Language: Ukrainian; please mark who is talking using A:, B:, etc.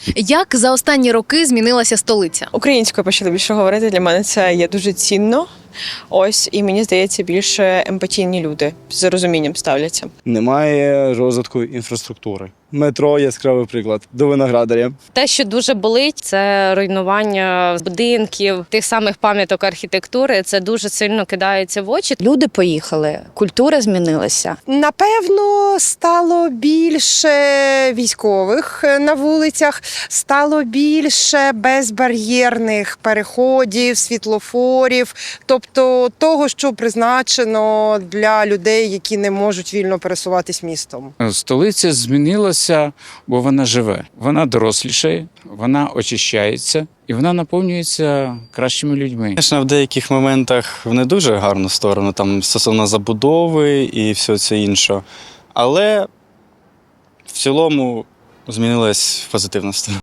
A: Як за останні роки змінилася столиця?
B: Українською почали більше говорити. Для мене це є дуже цінно. Ось, і мені здається, більше емпатійні люди з розумінням ставляться.
C: Немає розвитку інфраструктури. Метро – яскравий приклад. До Виноградаря.
D: Те, що дуже болить, це руйнування будинків, тих самих пам'яток архітектури. Це дуже сильно кидається в очі.
E: Люди поїхали, культура змінилася.
F: Напевно, стало більше військових на вулицях, стало більше безбар'єрних переходів, світлофорів, тобто того, що призначено для людей, які не можуть вільно пересуватись містом.
G: Столиця змінилася, бо вона живе. Вона дорослішає, вона очищається і вона наповнюється кращими людьми.
H: Звісно, в деяких моментах в не дуже гарну сторону, там стосовно забудови і все це інше. Але в цілому змінилась в позитивну сторону.